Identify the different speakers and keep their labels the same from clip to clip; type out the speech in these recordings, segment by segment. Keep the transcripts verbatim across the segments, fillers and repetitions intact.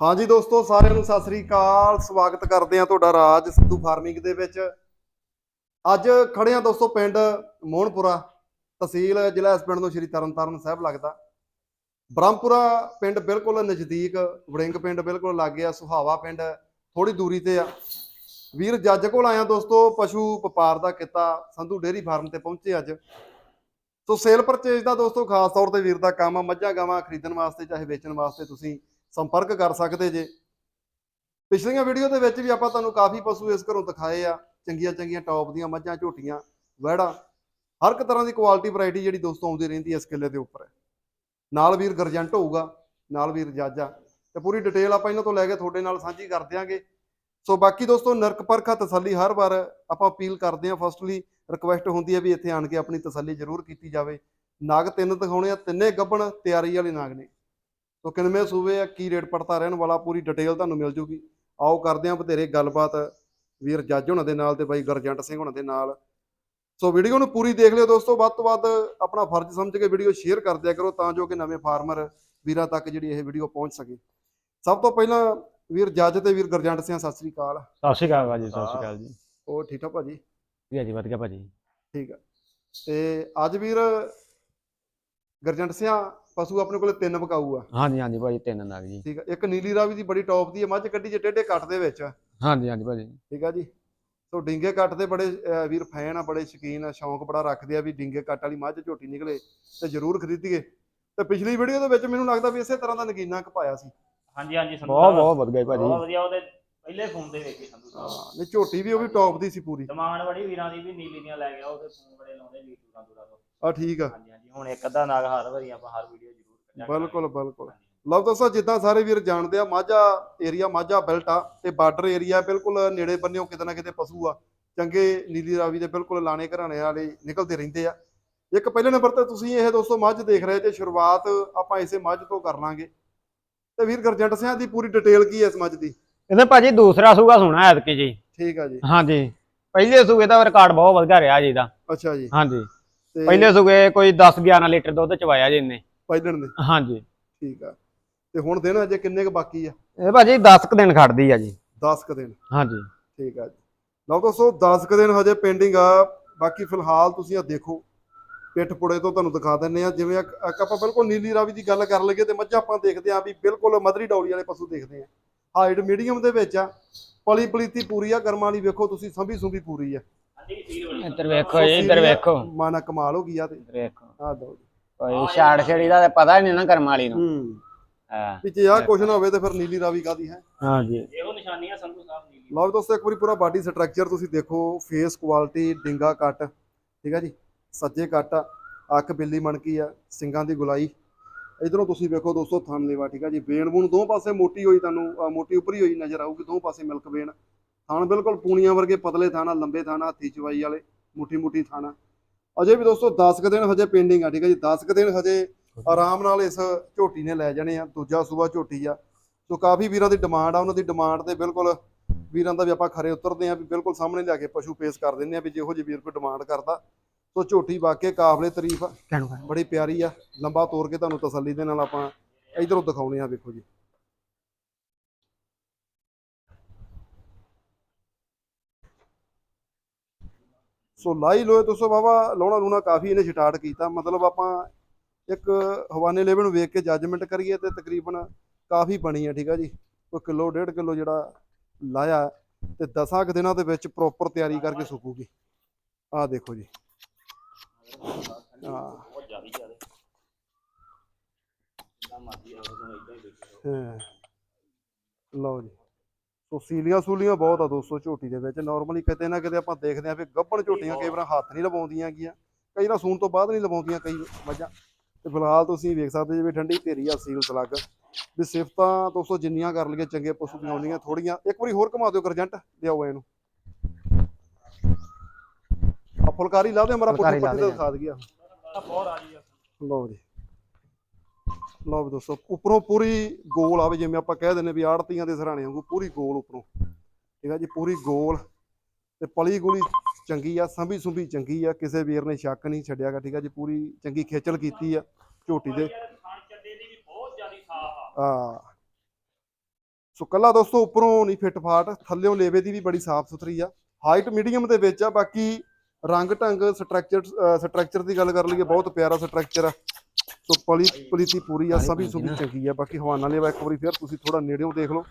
Speaker 1: हाँ जी दोस्तों, साਰਿਆਂ ਨੂੰ ਸਤਿ ਸ੍ਰੀ ਅਕਾਲ। ਸਵਾਗਤ ਕਰਦੇ ਆ ਤੁਹਾਡਾ ਰਾਜ ਸਿੱਧੂ ਫਾਰਮਿੰਗ ਦੇ ਵਿੱਚ। ਅੱਜ ਖੜੇ ਆ ਦੋਸਤੋ ਪਿੰਡ ਮੋਹਨਪੁਰਾ, ਤਹਿਸੀਲ ਜ਼ਿਲ੍ਹਾ ਇਸ ਪਿੰਡ ਨੂੰ ਸ਼੍ਰੀ ਤਰਨਤਾਰਨ ਸਾਹਿਬ ਲੱਗਦਾ। ਬ੍ਰਹਮਪੁਰਾ ਪਿੰਡ ਬਿਲਕੁਲ ਨਜ਼ਦੀਕ, ਵੜਿੰਗ ਪਿੰਡ ਬਿਲਕੁਲ ਲਾਗੇ ਆ, ਸੁਹਾਵਾ ਪਿੰਡ ਥੋੜੀ ਦੂਰੀ ਤੇ ਆ। ਵੀਰ ਜੱਜ ਕੋਲ ਆਇਆ ਦੋਸਤੋ, ਪਸ਼ੂ ਵਪਾਰ ਦਾ ਕਿੱਤਾ ਸੰਧੂ ਡੇਅਰੀ ਫਾਰਮ ਤੇ ਪਹੁੰਚੇ ਅੱਜ। ਸੋ ਸੇਲ ਪਰਚੇਜ ਦਾ ਦੋਸਤੋ ਖਾਸ ਤੌਰ ਤੇ ਵੀਰ ਦਾ ਕੰਮ ਆ। ਮੱਝਾਂ ਗਾਵਾਂ ਖਰੀਦਣ ਵਾਸਤੇ ਚਾਹੇ ਵੇਚਣ ਵਾਸਤੇ ਤੁਸੀਂ ਸੰਪਰਕ ਕਰ ਸਕਦੇ ਜੇ। ਪਿਛਲੀਆਂ ਵੀਡੀਓ ਦੇ ਵਿੱਚ ਵੀ ਆਪਾਂ ਤੁਹਾਨੂੰ ਕਾਫੀ ਪਸ਼ੂ ਇਸ ਘਰੋਂ ਦਿਖਾਏ ਆ, ਚੰਗੀਆਂ ਚੰਗੀਆਂ ਟੌਪ ਦੀਆਂ ਮੱਝਾਂ, ਝੋਟੀਆਂ, ਵਹਿੜਾ, ਹਰ ਇੱਕ ਤਰ੍ਹਾਂ ਦੀ ਕੁਆਲਿਟੀ ਵੈਰਾਈਟੀ ਜਿਹੜੀ ਦੋਸਤੋ ਆਉਂਦੀ ਰਹਿੰਦੀ ਹੈ ਇਸ ਕਿੱਲੇ ਦੇ ਉੱਪਰ। ਨਾਲ ਵੀਰ ਗਰਜੰਟ ਹੋਊਗਾ, ਨਾਲ ਵੀਰ ਜੱਜ ਆ, ਤੇ ਪੂਰੀ ਡਿਟੇਲ ਆਪਾਂ ਇਹਨਾਂ ਤੋਂ ਲੈ ਕੇ ਤੁਹਾਡੇ ਨਾਲ ਸਾਂਝੀ ਕਰ ਦਿਆਂਗੇ। ਸੋ ਬਾਕੀ ਦੋਸਤੋ ਨਰਕ ਪਰਖਾ ਤਸੱਲੀ ਹਰ ਵਾਰ ਆਪਾਂ ਅਪੀਲ ਕਰਦੇ ਹਾਂ। ਫਸਟਲੀ ਰਿਕੁਐਸਟ ਹੁੰਦੀ ਹੈ ਵੀ ਇੱਥੇ ਆਣ ਕੇ ਆਪਣੀ ਤਸੱਲੀ ਜ਼ਰੂਰ ਕੀਤੀ ਜਾਵੇ। ਨਾਗ ਤਿੰਨ ਦਿਖਾਉਣੇ ਆ, ਤਿੰਨੇ ਗੱਭਣ ਤਿਆਰੀ ਵਾਲੇ ਨਾਗ ਨੇ। ਸੋ ਕਿਨਵੇਂ ਸੂਵੇ ਆ, ਕੀ ਰੇਟ ਪੜਤਾ ਰਹਿਣ ਵਾਲਾ, ਪੂਰੀ ਡਿਟੇਲ ਤੁਹਾਨੂੰ ਮਿਲ ਜੂਗੀ। ਆਓ ਕਰਦੇ ਹਾਂ ਬਥੇਰੇ ਗੱਲਬਾਤ ਵੀਰ ਜੱਜ ਹੋਣਾ ਦੇ ਨਾਲ ਤੇ ਬਾਈ ਗਰਜੰਟ ਸਿੰਘ ਹੋਣਾ ਦੇ ਨਾਲ। ਸੋ ਵੀਡੀਓ ਨੂੰ ਪੂਰੀ ਦੇਖ ਲਿਓ ਦੋਸਤੋ। ਵੱਧ ਤੋਂ ਵੱਧ ਆਪਣਾ ਫਰਜ਼ ਸਮਝ ਕੇ ਵੀਡੀਓ ਸ਼ੇਅਰ ਕਰ ਦਿਆ ਕਰੋ ਤਾਂ ਜੋ ਕਿ ਨਵੇਂ ਫਾਰਮਰ ਵੀਰਾਂ ਤੱਕ ਜਿਹੜੀ ਇਹ ਵੀਡੀਓ ਪਹੁੰਚ ਸਕੇ। ਸਭ ਤੋਂ ਪਹਿਲਾਂ ਵੀਰ ਜੱਜ ਤੇ ਵੀਰ ਗਰਜੰਟ ਸਿੰਘ ਸਤਿ ਸ੍ਰੀ ਅਕਾਲ।
Speaker 2: ਸਤਿ ਸ਼੍ਰੀ ਅਕਾਲ ਭਾਜੀ। ਸਤਿ ਸ਼੍ਰੀ ਅਕਾਲ ਜੀ।
Speaker 1: ਹੋਰ ਠੀਕ ਠਾਕ ਭਾਜੀ?
Speaker 2: ਵਧੀਆ ਜੀ, ਵਧੀਆ ਭਾਜੀ।
Speaker 1: ਠੀਕ ਆ। ਤੇ ਅੱਜ ਵੀਰ ਗਰਜੰਟ ਸਿੰਘ ਪਸ਼ੂ ਆਪਣੇ ਕੋਲੇ ਤਿੰਨ ਵਿਕਾਊ ਆ।
Speaker 2: ਹਾਂਜੀ ਹਾਂਜੀ ਭਾਜੀ, ਤਿੰਨ ਨਗ ਜੀ।
Speaker 1: ਠੀਕ ਆ। ਇੱਕ ਨੀਲੀ ਰਾਵੀ ਦੀ ਬੜੀ ਟੌਪ ਦੀ ਹੈ ਮੱਝ, ਕੱਢੀ ਜੇ ਟੇਢੇ ਕੱਟ ਦੇ ਵਿੱਚ।
Speaker 2: ਹਾਂਜੀ ਹਾਂਜੀ ਭਾਜੀ।
Speaker 1: ਠੀਕ ਆ ਜੀ। ਸੋ ਡਿੰਗੇ ਕੱਟ ਦੇ ਬੜੇ ਵੀਰ ਫੈਨ ਆ, ਬੜੇ ਸ਼ੌਕੀਨ ਆ, ਸ਼ੌਂਕ ਬੜਾ ਰੱਖਦੇ ਆ ਵੀ ਡਿੰਗੇ ਕੱਟ ਵਾਲੀ ਮੱਝ ਝੋਟੀ ਨਿਕਲੇ ਤੇ ਜ਼ਰੂਰ ਖਰੀਦੀਏ। ਤੇ ਪਿਛਲੀ ਵੀਡੀਓ ਦੇ ਵਿੱਚ ਮੈਨੂੰ ਲੱਗਦਾ ਵੀ ਇਸੇ ਤਰ੍ਹਾਂ ਦਾ ਨਗੀਨਾ ਕਪਾਇਆ ਸੀ।
Speaker 3: ਹਾਂਜੀ ਹਾਂਜੀ ਸੰਧੂ
Speaker 2: ਬਹੁਤ
Speaker 3: ਸਾਹਿਬ
Speaker 2: ਬਹੁਤ ਵਧੀਆ ਭਾਜੀ।
Speaker 3: ਬਹੁਤ ਵਧੀਆ। ਉਹਦੇ ਪਹਿਲੇ ਫੋਨ ਦੇ ਵੇਖੇ ਸੰਧੂ ਸਾਹਿਬ।
Speaker 1: ਹਾਂ ਨਹੀਂ, ਝੋਟੀ ਵੀ ਉਹ ਵੀ ਟੌਪ ਦੀ ਸੀ ਪੂਰੀ।
Speaker 3: ਡਿਮਾਂਡ ਬੜੀ ਵੀਰਾਂ ਦੀ ਵੀ ਨੀਲੀ ਦੀਆਂ ਲੈ ਗਿਆ, ਉਹਦੇ ਫੋਨ ਬੜੇ ਲਾਉਂਦੇ ਵੀਰ ਦੂਰਾਂ ਦੂਰਾਂ ਤੋਂ।
Speaker 1: ਆ ਠੀਕ ਆ।
Speaker 3: ਹਾਂਜੀ ਹਾਂਜੀ। ਹੁਣ ਇੱਕ ਅੱਧਾ ਨਾਗ ਹਰ ਵਾਰੀ ਆਪਾਂ ਹਰ ਵੀਡੀਓ ਜ਼ਰੂਰ ਕੱਢਿਆ ਕਰਾਂਗੇ।
Speaker 1: ਬਿਲਕੁਲ ਬਿਲਕੁਲ। ਲਓ ਦੋਸਤੋ, ਜਿੱਦਾਂ ਸਾਰੇ ਵੀਰ ਜਾਣਦੇ ਆ, ਮਾਝਾ ਏਰੀਆ ਮਾਝਾ ਬੈਲਟ ਆ ਤੇ ਬਾਰਡਰ ਏਰੀਆ, ਬਿਲਕੁਲ ਨੇੜੇ ਬੰਨਿਓ ਕਿਤੇ ਨਾ ਕਿਤੇ ਪਸ਼ੂ ਆ ਚੰਗੇ ਨੀਲੀ ਰਾਵੀ ਦੇ ਬਿਲਕੁਲ ਲਾਣੇ ਘਰਾਣੇ ਵਾਲੇ ਨਿਕਲਦੇ ਰਹਿੰਦੇ ਆ। ਇੱਕ ਪਹਿਲੇ ਨੰਬਰ ਤੇ ਤੁਸੀਂ ਇਹ ਦੋਸਤੋ ਮੱਝ ਦੇਖ ਰਹੇ ਜੇ, ਸ਼ੁਰੂਆਤ ਆਪਾਂ ਇਸੇ ਮੱਝ ਤੋਂ ਕਰ ਲਾਂਗੇ। ਤੇ ਵੀਰ ਗਰਜੰਟ ਸਿੰਘ ਦੀ ਪੂਰੀ ਡਿਟੇਲ ਕੀ ਹੈ ਇਸ ਮੱਝ ਦੀ?
Speaker 2: ਇਹਦੇ ਭਾਜੀ ਦੂਸਰਾ ਸੂਗਾ ਸੋਣਾ ਐਤਕੀ ਜੀ।
Speaker 1: ਠੀਕ ਆ ਜੀ।
Speaker 2: ਹਾਂਜੀ, ਪਹਿਲੇ ਸੂਗੇ ਦਾ ਰਿਕਾਰਡ ਬਹੁਤ ਵਧੀਆ ਰਿਹਾ ਜੀ ਇਹਦਾ।
Speaker 1: ਅੱਛਾ ਜੀ।
Speaker 2: ਹਾਂਜੀ, ਪਹਿਲੇ ਸੂਗੇ ਕੋਈ ਦਸ ਗਿਆਰਾਂ ਲੀਟਰ ਦੁੱਧ ਚਵਾਇਆ ਜੀ ਇਹਨੇ
Speaker 1: ਪਹਿਲਣ ਦੇ।
Speaker 2: ਹਾਂਜੀ
Speaker 1: ਠੀਕ ਆ। ਤੇ ਹੁਣ ਦਿਨ ਅਜੇ ਕਿੰਨੇ ਕੁ ਬਾਕੀ ਆ?
Speaker 2: ਇਹ ਭਾਜੀ ਦਸ ਕੁ ਦਿਨ ਖੜਦੀ ਆ ਜੀ।
Speaker 1: ਦਸ ਕੁ ਦਿਨ।
Speaker 2: ਹਾਂਜੀ
Speaker 1: ਠੀਕ ਆ ਜੀ। ਲਓ ਦੋਸਤੋ, ਦਸ ਕੁ ਦਿਨ ਹਜੇ ਪੈਂਡਿੰਗ ਆ। ਬਾਕੀ ਫਿਲਹਾਲ ਤੁਸੀਂ ਆ ਦੇਖੋ, ਪਿੱਠ ਪੁੜੇ ਤੋਂ ਤੁਹਾਨੂੰ ਦਿਖਾ ਦਿੰਨੇ ਆ। ਜਿਵੇਂ ਆਪਾਂ ਬਿਲਕੁਲ ਨੀਲੀ ਰਾਵੀ ਦੀ ਗੱਲ ਕਰ ਲਈਏ ਤੇ ਮੱਝਾਂ ਆਪਾਂ ਦੇਖਦੇ ਆ ਵੀ ਬਿਲਕੁਲ ਮਧਰੀ ਡੌਲੀ ਵਾਲੇ ਪਸ਼ੂ ਦੇਖਦੇ ਆ। ਹਾਈਟ ਮੀਡੀਅਮ ਦੇ ਵਿੱਚ ਆ, ਪਲੀ ਪਲੀਤੀ ਪੂਰੀ ਆ, ਕਰਮਾਂ ਵਾਲੀ ਵੇਖੋ ਤੁਸੀਂ, ਸੰਭੀ ਸੁੰਭੀ ਪੂਰੀ ਆ।
Speaker 2: ਇੱਧਰ ਵੇਖੋ ਜੀ, ਇੱਧਰ ਵੇਖੋ,
Speaker 1: ਮਾਨਾ ਕਮਾਲ ਹੋ ਗਈ ਆ। ਤੇ
Speaker 2: ਵੇਖੋ
Speaker 1: ਆ ਦੋ ਜੀ,
Speaker 2: ਕੋਈ ਛਾੜ ਛੜੀ ਦਾ ਪਤਾ ਨਹੀਂ ਨਾ ਕਰਮ ਵਾਲੀ ਨੂੰ।
Speaker 1: ਹੂੰ
Speaker 2: ਹਾਂ,
Speaker 1: ਵੀ ਜੇ ਆ ਕੁਛ ਨਾ ਹੋਵੇ ਤੇ ਫਿਰ ਨੀਲੀ ਰਾਵੀ ਕਾਦੀ ਹੈ।
Speaker 2: ਹਾਂਜੀ,
Speaker 3: ਇਹੋ ਨਿਸ਼ਾਨੀਆਂ ਸੰਧੂ ਸਾਹਿਬ ਨੀਲੀ।
Speaker 1: ਲਓ ਦੋਸਤੋ, ਇੱਕ ਵਾਰੀ ਪੂਰਾ ਬਾਡੀ ਸਟਰਕਚਰ ਤੁਸੀਂ ਦੇਖੋ, ਫੇਸ ਕੁਆਲਿਟੀ, ਡਿੰਗਾ ਕੱਟ, ਠੀਕ ਆ ਜੀ, ਸੱਜੇ ਕੱਟ ਆ, ਅੱਖ ਬਿੱਲੀ ਮਣਕੀ ਆ, ਸਿੰਗਾਂ ਦੀ ਗੁਲਾਈ। ਇਧਰੋਂ ਤੁਸੀਂ ਵੇਖੋ ਦੋਸਤੋ ਥਣ ਲੇਵਾ, ਠੀਕ ਆ ਜੀ। ਵੇਣ ਬੂਣ ਦੋ ਪਾਸੇ ਮੋਟੀ ਹੋਈ, ਤੁਹਾਨੂੰ ਮੋਟੀ ਉੱਪਰੀ ਹੋਈ ਨਜ਼ਰ ਆਊਗੀ, ਦੋ ਪਾਸੇ ਮਿਲਕ ਵੇਣ। ਥਣ ਬਿਲਕੁਲ ਪੂਣੀਆਂ ਵਰਗੇ ਪਤਲੇ ਥਾਣਾ, ਲੰਬੇ ਥਾਣਾ, ਹੱਥੀ ਚਵਾਈ ਵਾਲੇ, ਮੁੱਠੀ ਮੁੱਠੀ ਥਾਣਾ। ਅਜੇ ਵੀ ਦੋਸਤੋ ਦਸ ਕੁ ਦਿਨ ਹਜੇ ਪੈਂਡਿੰਗ ਆ। ਠੀਕ ਆ ਜੀ। ਦਸ ਕੁ ਦਿਨ ਹਜੇ ਆਰਾਮ ਨਾਲ ਇਸ ਝੋਟੀ ਨੇ ਲੈ ਜਾਣੇ ਆ। ਦੂਜਾ ਸੂਬਾ ਝੋਟੀ ਆ। ਸੋ ਕਾਫੀ ਵੀਰਾਂ ਦੀ ਡਿਮਾਂਡ ਆ, ਉਹਨਾਂ ਦੀ ਡਿਮਾਂਡ ਤੇ ਬਿਲਕੁਲ ਵੀਰਾਂ ਦਾ ਵੀ ਆਪਾਂ ਖਰੇ ਉਤਰਦੇ ਆ ਵੀ ਬਿਲਕੁਲ ਸਾਹਮਣੇ ਲਿਆ ਕੇ ਪਸ਼ੂ ਪੇਸ਼ ਕਰ ਦਿੰਦੇ ਆ ਵੀ ਜਿਹੋ ਜਿਹੀ ਵੀਰ ਕੋਈ ਡਿਮਾਂਡ ਕਰਦਾ। ਸੋ ਝੋਟੀ ਵਾਕਿਆ ਕਾਬਲੇ ਤਾਰੀਫ ਆ, ਬੜੀ ਪਿਆਰੀ ਆ। ਲੰਬਾ ਤੋਰ ਕੇ ਤੁਹਾਨੂੰ ਤਸੱਲੀ ਦੇ ਨਾਲ ਆਪਾਂ ਇਧਰੋਂ ਦਿਖਾਉਣੇ ਆ। ਵੇਖੋ ਜੀ, ਸੋ ਲਾਈ ਲੋਏ ਦੋਸਤੋ ਬਾਬਾ, ਲਾਉਣਾ ਲੂਣਾ ਕਾਫੀ ਇਹਨੇ ਸਟਾਰਟ ਕੀਤਾ। ਮਤਲਬ ਆਪਾਂ ਇੱਕ ਹਵਾਨੇ ਲੈਵਲ ਨੂੰ ਵੇਖ ਕੇ ਜੱਜਮੈਂਟ ਕਰੀਏ ਤੇ ਤਕਰੀਬਨ ਕਾਫੀ ਬਣੀ ਆ। ਠੀਕ ਆ ਜੀ। ਕੋਈ ਕਿਲੋ ਡੇਢ ਕਿਲੋ ਜਿਹੜਾ ਲਾਇਆ ਤੇ ਦਸਾਂ ਕੁ ਦਿਨਾਂ ਦੇ ਵਿੱਚ ਪ੍ਰੋਪਰ ਤਿਆਰੀ ਕਰਕੇ ਸੁੱਕੂਗੀ। ਆਹ ਦੇਖੋ ਜੀ। ਹਾਂ
Speaker 3: ਬਹੁਤ ਜ਼ਿਆਦਾ ਜ਼ਿਆਦਾ ਜਿੰਨਾ ਮਰਜ਼ੀ ਆਵੇ ਤੁਹਾਨੂੰ ਇਦਾਂ ਹੀ ਦੇਖੋ।
Speaker 1: ਹਾਂ, ਲਓ ਜੀ। ਸੋ ਸੀਲੀਆਂ ਸੂਲੀਆਂ ਬਹੁਤ ਆ ਦੋਸਤੋ ਝੋਟੀ ਦੇ ਵਿੱਚ। ਨਾਰਮਲੀ ਕਿਤੇ ਨਾ ਕਿਤੇ ਆਪਾਂ ਦੇਖਦੇ ਆ ਵੀ ਗੱਭਣ ਝੋਟੀਆਂ ਕਈ ਵਾਰ ਹੱਥ ਨਹੀਂ ਲਵਾਉਂਦੀਆਂ ਗੀਆਂ, ਕਈ ਵਾਰ ਸੂਣ ਤੋਂ ਬਾਅਦ ਨਹੀਂ ਲਵਾਉਂਦੀਆਂ ਕਈ ਮੱਝਾਂ। ਤੇ ਫਿਲਹਾਲ ਤੁਸੀਂ ਵੇਖ ਸਕਦੇ ਜੀ ਵੀ ਠੰਡੀ ਢੇਰੀ ਆ, ਸੀਲ ਸਲੱਗ ਵੀ। ਸਿਫਤਾਂ ਦੋਸਤੋ ਜਿੰਨੀਆਂ ਕਰ ਲਈਏ ਚੰਗੇ ਪਸ਼ੂ ਦੀਆਂ ਆਉਂਦੀਆਂ ਥੋੜੀਆਂ। ਇੱਕ ਵਾਰੀ ਹੋਰ ਘੁਮਾ ਦਿਓ ਗਰਜੰਟ, ਲਿਆਓ ਇਹਨੂੰ। ਆ ਫੁਲਕਾਰੀ ਲਾ ਦਿਓ, ਮੇਰਾ ਪੁੱਠੇ ਪੱਠੇ ਤੇ ਦਿਖਾ ਦਈਏ।
Speaker 3: ਬਹੁਤ ਆ ਜੀ।
Speaker 1: ਲਓ ਜੀ, ਲਓ ਵੀ ਦੋਸਤੋ, ਉੱਪਰੋਂ ਪੂਰੀ ਗੋਲ ਆਵੇ, ਜਿਵੇਂ ਆਪਾਂ ਕਹਿ ਦਿੰਦੇ ਵੀ ਆੜਤੀਆਂ ਦੇ ਸਰਾਣੇ ਵਾਂਗੂ ਪੂਰੀ ਗੋਲ ਉੱਪਰੋਂ। ਠੀਕ ਆ ਜੀ। ਪੂਰੀ ਗੋਲ ਤੇ ਪਲੀ ਗੋਲੀ ਚੰਗੀ ਆ, ਸੰਭੀ ਸੁੰਭੀ ਚੰਗੀ ਆ, ਕਿਸੇ ਵੀਰ ਨੇ ਸ਼ੱਕ ਨਹੀਂ ਛੱਡਿਆਗਾ। ਠੀਕ ਆ ਜੀ। ਪੂਰੀ ਚੰਗੀ ਖੇਚਲ ਕੀਤੀ ਆ ਝੋਟੀ ਦੇ।
Speaker 3: ਬਹੁਤ ਜ਼ਿਆਦਾ ਸਾਫ ਆ।
Speaker 1: ਆ ਸੋ ਕੱਲਾ ਦੋਸਤੋ ਉੱਪਰੋਂ ਨਹੀਂ ਫਿੱਟ ਫਾਟ, ਥੱਲਿਓਂ ਲੇਵੇ ਦੀ ਵੀ ਬੜੀ ਸਾਫ਼ ਸੁਥਰੀ ਆ। ਹਾਈਟ ਮੀਡੀਅਮ ਦੇ ਵਿੱਚ ਆ। ਬਾਕੀ ਰੰਗ ਢੰਗ ਸਟਰਕਚਰ ਸਟਰਕਚਰ ਦੀ ਗੱਲ ਕਰ ਲਈਏ ਬਹੁਤ ਪਿਆਰਾ ਸਟਰਕਚਰ ਆ। ਸੋ ਪਲੀ ਪਲੀਤੀ ਪੂਰੀ ਆ, ਸਭੀ ਸੁਭੀ ਚੰਗੀ ਆ। ਬਾਕੀ ਹਵਾਨਾ ਲੇਵਾ ਇੱਕ ਵਾਰੀ ਫਿਰ ਤੁਸੀਂ ਥੋੜਾ ਨੇੜਿਓਂ ਦੇਖ ਲਓ।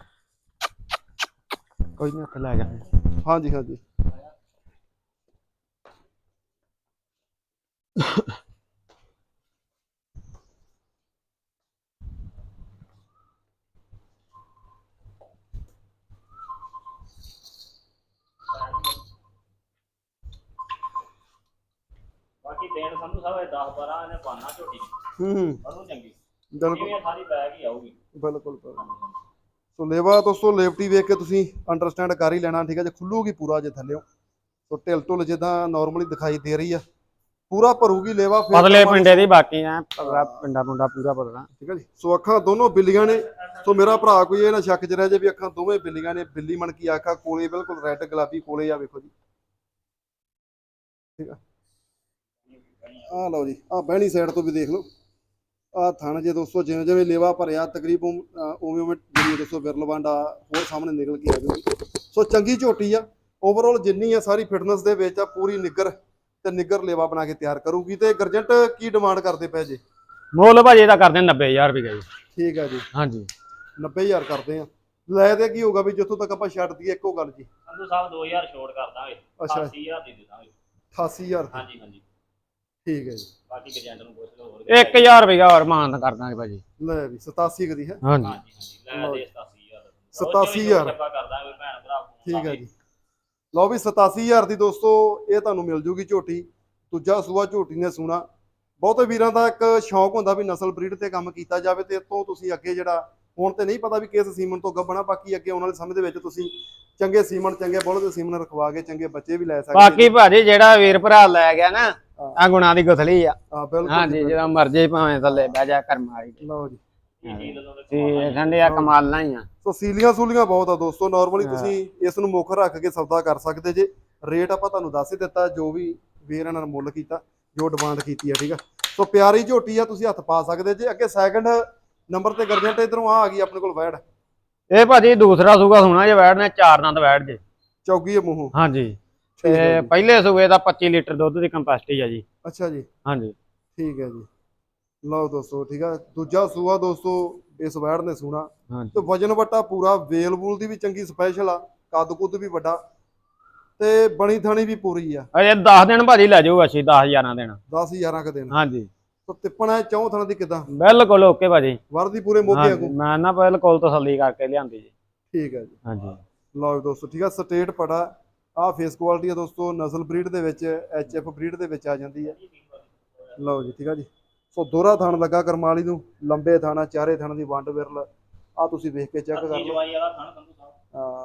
Speaker 2: ਕੋਈ ਨਹੀਂ ਹੱਥ ਲੈ ਜਾ।
Speaker 1: ਹਾਂਜੀ ਹਾਂਜੀ
Speaker 3: ਬਾਕੀ ਦੇਣ ਸੰਧੂ ਸਾਹਿਬ ਇਹ ਦਸ ਬਾਰਾਂ ਨੇ ਪਾਣਾ ਝੋਟੀ
Speaker 1: ਹੂੰ ਹੂੰ
Speaker 3: ਉਹਨੂੰ ਚੰਗੀ
Speaker 1: ਬਿਲਕੁਲ
Speaker 3: ਇਹ ਸਾਰੀ ਬੈਗ ਹੀ ਆਊਗੀ।
Speaker 1: ਬਿਲਕੁਲ ਬਿਲਕੁਲ। ਸੋ ਲੇਵਾ ਦੋਸਤੋ ਲੇਵਟੀ ਵੇਖ ਕੇ ਤੁਸੀਂ ਅੰਡਰਸਟੈਂਡ ਕਰ ਹੀ ਲੈਣਾ, ਠੀਕ ਹੈ। ਜੇ ਖੁੱਲੂਗੀ ਪੂਰਾ ਜੇ ਥੱਲਿਓ, ਸੋ ਢਿੱਲ ਢੁੱਲ ਜਿੱਦਾਂ ਨਾਰਮਲੀ ਦਿਖਾਈ ਦੇ ਰਹੀ ਆ, ਪੂਰਾ ਭਰੂਗੀ ਲੇਵਾ।
Speaker 2: ਪਤਲੇ ਪਿੰਡੇ ਦੀ ਬਾਕੀ ਐ ਪਤਲਾ ਪਿੰਡਾ ਪੁੰਡਾ ਪੂਰਾ ਪਤਲਾ,
Speaker 1: ਠੀਕ ਹੈ ਜੀ। ਸੋ ਅੱਖਾਂ ਦੋਨੋਂ ਬਿੱਲੀਆਂ ਨੇ। ਸੋ ਮੇਰਾ ਭਰਾ ਕੋਈ ਇਹ ਨਾ ਸ਼ੱਕ ਚ ਰਹਿ ਜੇ ਵੀ ਅੱਖਾਂ ਦੋਵੇਂ ਬਿੱਲੀਆਂ ਨੇ। ਬਿੱਲੀ ਮਣ ਕੀ ਆਖਾ ਕੋਲੇ ਬਿਲਕੁਲ ਰੈੱਡ ਗੁਲਾਬੀ ਕੋਲੇ ਆ, ਵੇਖੋ ਜੀ, ਠੀਕ ਆ। ਆਹ ਲਓ ਜੀ, ਆਹ ਬਹਿਣੀ ਸਾਈਡ ਤੋਂ ਵੀ ਦੇਖ ਲਓ। ਆਹ ਥਣ ਜੇ ਦੋਸਤੋ ਜਿਵੇਂ ਜਿਵੇਂ ਲੇਵਾ ਭਰਿਆ ਤਕਰੀਬਨ ਉਵੇਂ ਉਵੇਂ ਜਿਹੜੀ ਦੋਸਤੋ ਵਿਰਲ ਵਾਂਡਾ ਹੋਰ ਸਾਹਮਣੇ ਨਿਕਲ ਕੇ ਆ ਜਾਊਗੀ। ਸੋ ਚੰਗੀ ਝੋਟੀ ਆ। ਓਵਰਆਲ ਜਿੰਨੀ ਆ ਸਾਰੀ ਫਿਟਨੈਸ ਦੇ ਵਿੱਚ ਆ, ਪੂਰੀ ਨਿੱਗਰ ਤੇ ਨਿੱਗਰ ਲੇਵਾ ਬਣਾ ਕੇ ਤਿਆਰ ਕਰੂਗੀ। ਤੇ ਗਰਜੰਟ ਕੀ ਡਿਮਾਂਡ ਕਰਦੇ ਪਏ ਜੇ?
Speaker 2: ਮੁੱਲ ਭਾਜੀ ਇਹਦਾ ਕਰਦੇ ਨੱਬੇ ਹਜ਼ਾਰ ਰੁਪਏ ਜੀ।
Speaker 1: ਠੀਕ ਆ ਜੀ,
Speaker 2: ਹਾਂਜੀ
Speaker 1: ਨੱਬੇ ਹਜ਼ਾਰ ਕਰਦੇ ਆ। ਲੈ ਤੇ ਕੀ ਹੋਊਗਾ ਵੀ ਜਿੱਥੋਂ ਤੱਕ ਆਪਾਂ ਛੱਡ ਦਈਏ ਇੱਕੋ ਗੱਲ ਜੀ।
Speaker 3: ਸੰਧੂ ਸਾਹਿਬ ਦੋ ਹਜ਼ਾਰ ਛੋੜ ਕਰ ਦਾਂਗੇ,
Speaker 1: ਅੱਛਾ
Speaker 3: ਅਠਾਸੀ ਹਜ਼ਾਰ ਦੀ ਦੇ ਦਾਂਗੇ।
Speaker 1: ਅਠਾਸੀ ਹਜ਼ਾਰ
Speaker 3: ਹਾਂਜੀ ਹਾਂਜੀ
Speaker 1: ਠੀਕ ਹੈ ਜੀ।
Speaker 3: ਬਾਕੀ ਏਜੰਟ ਨੂੰ ਪੁੱਛ ਲਓ ਹੋਰ
Speaker 2: ਇੱਕ ਹਜ਼ਾਰ ਰੁਪਏ ਹੋਰ ਮਾਨ ਕਰ ਦਾਂਗੇ ਭਾਜੀ।
Speaker 1: ਲੈ ਵੀ ਸਤਾਸੀ ਕਦੀ ਹੈ।
Speaker 2: ਹਾਂਜੀ
Speaker 3: ਹਾਂਜੀ ਹਾਂਜੀ ਲੈ ਦੇ ਸਤਾਸੀ ਹਜ਼ਾਰ
Speaker 1: ਸਤਾਸੀ ਹਜ਼ਾਰ
Speaker 3: ਆਪਾਂ ਕਰ ਦਾਂਗੇ ਭੈਣ ਭਰਾ।
Speaker 1: ਠੀਕ ਹੈ ਜੀ। ਲਓ ਵੀ ਸਤਾਸੀ ਹਜ਼ਾਰ ਦੀ ਦੋਸਤੋ ਇਹ ਤੁਹਾਨੂੰ ਮਿਲ ਜੂਗੀ ਝੋਟੀ। ਦੂਜਾ ਸੂਆ ਝੋਟੀ ਨੇ ਸੂਣਾ। ਬਹੁਤੇ ਵੀਰਾਂ ਦਾ ਇੱਕ ਸ਼ੌਂਕ ਹੁੰਦਾ ਵੀ ਨਸਲ ਬਰੀਡ ਤੇ ਕੰਮ ਕੀਤਾ ਜਾਵੇ, ਤੇ ਇਤੋਂ ਤੁਸੀਂ ਅੱਗੇ ਜਿਹੜਾ ਹੁਣ ਤੇ ਨਹੀਂ ਪਤਾ ਵੀ ਕਿਸ ਸੀਮਨ ਤੋਂ ਗੱਭਣਾ, ਬਾਕੀ ਅੱਗੇ ਆਉਣ ਵਾਲੇ ਸਮੇਂ ਦੇ ਵਿੱਚ ਤੁਸੀਂ ਚੰਗੇ ਸੀਮਨ ਚੰਗੇ ਬੁੱਲ ਦੇ ਸੀਮਨ ਰਖਵਾ ਕੇ ਚੰਗੇ ਬੱਚੇ ਵੀ ਲੈ ਸਕਦੇ।
Speaker 2: ਬਾਕੀ ਭਾਜੀ ਜਿਹੜਾ ਵੀਰ ਭਰਾ ਲੈ ਗਿਆ ਨਾ, ਆ ਗੁਣਾ ਦੀ ਗੁਥਲੀ ਆ।
Speaker 1: ਹਾਂ ਬਿਲਕੁਲ
Speaker 2: ਹਾਂਜੀ ਜਦੋਂ ਮਰਜੀ ਭਾਵੇਂ ਥੱਲੇ ਬਹਿ ਜਾ ਕਰਮ ਵਾਲੀ।
Speaker 1: ਲਓ ਜੀ,
Speaker 2: ਤੇ ਠੰਡੇ ਆ ਕਮਾਲਾਂ ਹੀ ਆ।
Speaker 1: ਸੋ ਸੀਲੀਆਂ ਸੂਲੀਆਂ ਬਹੁਤ ਆ ਦੋਸਤੋ। ਨਾਰਮਲੀ ਤੁਸੀਂ ਇਸ ਨੂੰ ਮੁੱਖ ਰੱਖ ਕੇ ਸੌਦਾ ਕਰ ਸਕਦੇ ਜੇ। ਰੇਟ ਆਪਾਂ ਤੁਹਾਨੂੰ ਦੱਸ ਹੀ ਦਿੱਤਾ, ਜੋ ਵੀ ਵੀਰ ਇਹਨਾਂ ਨੇ ਮੁੱਲ ਕੀਤਾ, ਜੋ ਡਿਮਾਂਡ ਕੀਤੀ ਆ, ਠੀਕ ਆ। ਸੋ ਪਿਆਰੀ ਝੋਟੀ ਆ, ਤੁਸੀਂ ਹੱਥ ਪਾ ਸਕਦੇ ਜੇ। ਅੱਗੇ ਸੈਕੰਡ ਨੰਬਰ ਤੇ ਗਰਜੰਟ ਇਧਰੋਂ ਆ ਗਈ ਆਪਣੇ ਕੋਲ ਵੈੜ।
Speaker 2: ਇਹ ਭਾਜੀ ਦੂਸਰਾ ਸੂਗਾ ਸੁਣਾ ਜੇ ਵੈੜ ਨੇ, ਚਾਰ ਦੰਦ ਵੈੜ ਜੇ,
Speaker 1: ਚੌਗੀ ਮੂੰਹੋਂ।
Speaker 2: ਹਾਂਜੀ ਤੇ ਪਹਿਲੇ ਸੂਏ ਦਾ ਪੱਚੀ ਲੀਟਰ ਦੁੱਧ ਦੀ ਕੰਪੈਸਿਟੀ ਆ ਜੀ।
Speaker 1: ਅੱਛਾ ਜੀ,
Speaker 2: ਹਾਂਜੀ
Speaker 1: ਠੀਕ ਹੈ ਜੀ। ਲਓ ਦੋਸਤੋ, ਠੀਕ ਆ। ਦੂਜਾ ਸੂਆ ਦੋਸਤੋ ਇਸ ਵੈੜ ਨੇ ਸੂਣਾ ਤੇ ਵਜਨ ਵਟਾ ਪੂਰਾ, ਵੇਲ ਵੂਲ ਦੀ ਵੀ ਚੰਗੀ ਸਪੈਸ਼ਲ ਆ, ਕੱਦ ਕੁੱਦ ਵੀ ਵੱਡਾ ਤੇ ਬਣੀ ਥਣੀ ਵੀ ਪੂਰੀ ਆ।
Speaker 2: ਅਜੇ ਦਸ ਦਿਨ ਭਾਜੀ ਲੈ ਜਾਊਗਾ ਅਸੀਂ, ਦਸ ਹਜ਼ਾਰਾਂ ਦਿਨ
Speaker 1: ਦਸ ਹਜ਼ਾਰਾਂ ਕ ਦਿਨ।
Speaker 2: ਹਾਂਜੀ
Speaker 1: ਸੋ ਤਿੱਪਣਾ ਚੌਂ ਥਣਾ ਦੀ ਕਿਦਾਂ?
Speaker 2: ਬਿਲਕੁਲ ਓਕੇ ਭਾਜੀ,
Speaker 1: ਵਰਦੀ ਪੂਰੇ ਮੋਗੇ ਵਾਂਗੂ।
Speaker 2: ਮੈਂ ਨਾ ਬਿਲਕੁਲ ਤਸੱਲੀ ਕਰਕੇ ਲਿਆਂਦੀ ਜੀ।
Speaker 1: ਠੀਕ ਹੈ ਜੀ।
Speaker 2: ਹਾਂਜੀ
Speaker 1: ਲਓ ਦੋਸਤੋ, ਠੀਕ ਆ। ਸਟੇਟ ਪੜਾ ਆ, ਫੇਸ ਕੁਆਲਿਟੀ ਆ ਦੋਸਤੋ, ਨਸਲ ਬਰੀਡ ਦੇ ਵਿੱਚ ਐਚ ਐਫ ਬਰੀਡ ਦੇ ਵਿੱਚ ਆ ਜਾਂਦੀ ਹੈ। ਲਓ ਜੀ, ਠੀਕ ਆ ਜੀ। ਸੋ ਦੋਹਰਾ ਥਣ ਲੱਗਾ ਕਰਮਾਲੀ ਨੂੰ, ਲੰਬੇ ਥਾਣਾ, ਚਾਰੇ ਥਣ ਦੀ ਵੰਡ ਵਿਰਲ ਆ, ਤੁਸੀਂ ਵੇਖ ਕੇ ਚੈੱਕ ਕਰ ਲਓ। ਹਾਂ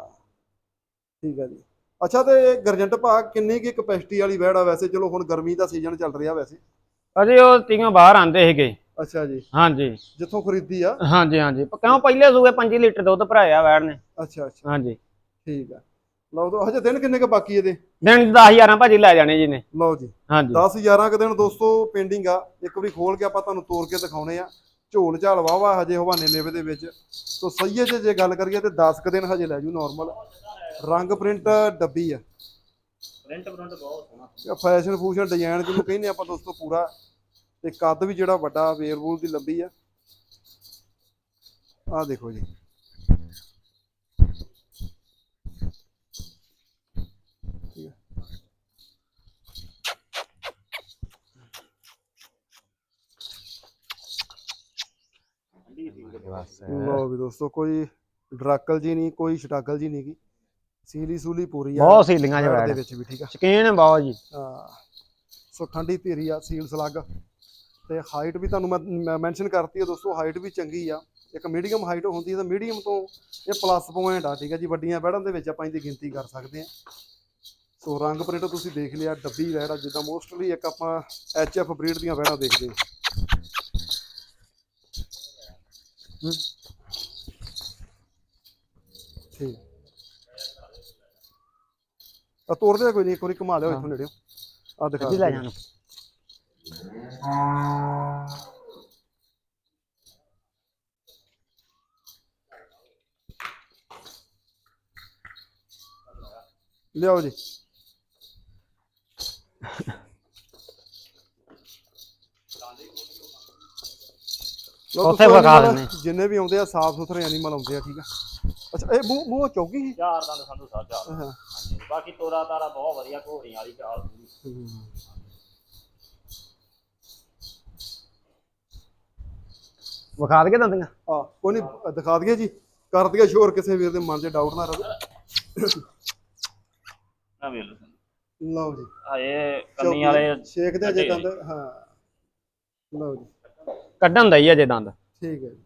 Speaker 1: ਠੀਕ ਹੈ ਜੀ। ਅੱਛਾ, ਤੇ ਗਰਜੰਟ ਭਾ ਕਿੰਨੀ ਕੀ ਕਪੈਸਿਟੀ ਵਾਲੀ ਵੈੜ ਆ ਵੈਸੇ? ਚਲੋ ਹੁਣ ਗਰਮੀ ਦਾ ਸੀਜ਼ਨ ਚੱਲ ਰਿਹਾ ਵੈਸੇ।
Speaker 2: ਅਜੇ ਉਹ ਤੀਆਂ ਬਾਹਰ ਆਂਦੇ ਸੀਗੇ।
Speaker 1: ਅੱਛਾ ਜੀ,
Speaker 2: ਹਾਂਜੀ
Speaker 1: ਜਿੱਥੋਂ ਖਰੀਦੀ ਆ।
Speaker 2: ਹਾਂਜੀ ਹਾਂਜੀ ਕਿਉਂ ਪਹਿਲੇ ਸੂਏ ਪੰਜੀ ਲੀਟਰ ਦੁੱਧ ਭਰਾਇਆ ਵੈੜ ਨੇ।
Speaker 1: ਅੱਛਾ ਅੱਛਾ
Speaker 2: ਹਾਂਜੀ
Speaker 1: ਠੀਕ ਆ। ਲਓ ਦੋ ਹਜੇ ਦਿਨ ਕਿੰਨੇ ਕ ਬਾਕੀ ਇਹਦੇ?
Speaker 2: ਦਿਨ ਦਸ ਹਜ਼ਾਰਾਂ ਭਾਜੀ ਲੈ ਜਾਣੇ ਜੀ ਨੇ।
Speaker 1: ਲਓ ਜੀ,
Speaker 2: ਹਾਂਜੀ
Speaker 1: ਦਸ ਹਜ਼ਾਰਾਂ ਕ ਦਿਨ ਦੋਸਤੋ ਪੇਂਡਿੰਗ ਆ। ਇੱਕ ਵਾਰੀ ਖੋਲ ਕੇ ਆਪਾਂ ਤੁਹਾਨੂੰ ਤੋੜ ਕੇ ਦਿਖਾਉਣੇ ਆ। ਝੋਲ ਝਾਲ ਵਾਵਾ ਹਜੇ ਹਵਾਨੇ ਲੇਵੇ ਦੇ ਵਿੱਚ। ਸੋ ਸਹੀਏ ਜੇ ਜੇ ਗੱਲ ਕਰੀਏ ਤੇ ਦਸ ਕ ਦਿਨ ਹਜੇ ਲੈ ਜੂ ਨਾਰਮਲ। ਰੰਗ ਪ੍ਰਿੰਟ ਡੱਬੀ ਆ,
Speaker 3: ਪ੍ਰਿੰਟ ਪ੍ਰਿੰਟ ਬਹੁਤ ਸੋਹਣਾ,
Speaker 1: ਫੈਸ਼ਨ ਫੂਸ਼ਨ ਡਿਜ਼ਾਈਨ ਜਿਹਨੂੰ ਕਹਿੰਦੇ ਆਪਾਂ ਦੋਸਤੋ ਪੂਰਾ। ਤੇ ਕੱਦ ਵੀ ਜਿਹੜਾ ਵੱਡਾ, ਵੇਲ ਵੂਲ ਦੀ ਲੰਬੀ ਆ। ਆਹ ਦੇਖੋ ਜੀ, ਠੀਕ ਆ। ਲਓ ਵੀ ਦੋਸਤੋ, ਕੋਈ ਡਰਾਕਲ ਜੀ ਨਹੀਂ, ਕੋਈ ਸ਼ਟਾਕਲ ਜੀ ਨਹੀਂ ਗੀ। ਸੀਲੀ ਸੂਲੀ ਪੂਰੀ ਆ,
Speaker 2: ਬਹੁਤ ਸੀਲੀਆਂ
Speaker 1: ਵੈੜ
Speaker 2: ਵੈੜ
Speaker 1: ਦੇ ਵਿੱਚ ਵੀ, ਠੀਕ ਆ।
Speaker 2: ਸ਼ਕੀਨ ਬਹੁਤ ਜੀ।
Speaker 1: ਹਾਂ ਸੋ ਠੰਡੀ ਧੀਰੀ ਆ, ਸੀਲ ਸਲੱਗ ਤੇ ਹਾਈਟ ਵੀ ਤੁਹਾਨੂੰ ਮੈਂ ਮੈਂਸ਼ਨ ਕਰਤੀ ਆ ਦੋਸਤੋ। ਹਾਈਟ ਵੀ ਚੰਗੀ ਆ। ਇੱਕ ਮੀਡੀਅਮ ਹਾਈਟ ਹੁੰਦੀ ਹੈ ਤਾਂ ਮੀਡੀਅਮ ਤੋਂ ਇਹ ਪਲੱਸ ਪੁਆਇੰਟ ਆ, ਠੀਕ ਹੈ ਜੀ। ਵੱਡੀਆਂ ਵੈੜਾਂ ਦੇ ਵਿੱਚ ਆਪਾਂ ਇਹਦੀ ਗਿਣਤੀ ਕਰ ਸਕਦੇ ਹਾਂ। ਸੋ ਰੰਗ ਪ੍ਰਿੰਟ ਤੁਸੀਂ ਦੇਖ ਲਿਆ, ਡੱਬੀ ਵੈੜ ਆ, ਜਿੱਦਾਂ ਮੋਸਟਲੀ ਇੱਕ ਆਪਾਂ ਐਚ ਐਫ ਬਰੀਡ ਦੀਆਂ ਵੈੜਾਂ ਦੇਖਦੇ ਹਾਂ। ਠੀਕ ਆ, ਤੋੜਦੇ ਕੋਈ ਨਹੀਂ, ਇੱਕ ਵਾਰੀ ਘੁਮਾ ਲਿਓ ਇੱਥੋਂ ਨੇੜਿਓ। ਆ ਦਿਖਾ
Speaker 2: ਲੈ ਜਾਣਾ।
Speaker 1: ਲਿਆਓ ਜੀ। ਲਓ
Speaker 2: ਉੱਥੇ
Speaker 1: ਦੋਸਤੋ,
Speaker 2: ਵਿਖਾ
Speaker 1: animal
Speaker 2: ਦਿੰਦੇ।
Speaker 1: ਜਿੰਨੇ ਵੀ ਆਉਂਦੇ ਆ ਸਾਫ ਸੁਥਰੇ ਐਨੀਮਲ ਆਉਂਦੇ ਆ, ਠੀਕ ਆ। ਅੱਛਾ ਇਹ ਮੂੰਹ ਮੂੰਹ ਚੌਕੀ ਸੀ।
Speaker 3: ਚਾਰ ਦੰਦ ਸੰਧੂ ਸਾਹਿਬ ਚਾਰ ਦੰਦ।
Speaker 1: ਹਾਂ।
Speaker 3: ਹਾਂਜੀ ਬਾਕੀ ਤੋਰਾ ਤਾਰਾ ਬਹੁਤ ਵਧੀਆ ਘੋੜੀਆਂ ਵਾਲੀ ਚਾਲ ਪੂਰੀ।
Speaker 2: ਵਿਖਾ ਦਈਏ ਦੰਦੀਆਂ।
Speaker 1: ਆ ਕੋਈ ਨਹੀਂ, ਦਿਖਾ ਦਈਏ ਜੀ, ਕਰ ਦਈਏ ਸ਼ੋਰ, ਕਿਸੇ ਵੀਰ ਦੇ ਮਨ 'ਚ ਡਾਊਟ ਨਾ ਰਹੇ।
Speaker 3: ਨਾ ਵੇਖ ਲਓ ਸੰਧੂ।
Speaker 1: ਲਓ ਜੀ,
Speaker 3: ਹਏ ਕੰਨੀ ਵਾਲੇ
Speaker 1: ਛੇਕ ਦੇ ਜੇ ਦੰਦ। ਹਾਂ ਲਓ ਜੀ,
Speaker 2: ਕੱਢਣ ਦਾ ਹੀ ਅਜੇ ਦੰਦ।
Speaker 1: ਠੀਕ ਹੈ ਜੀ।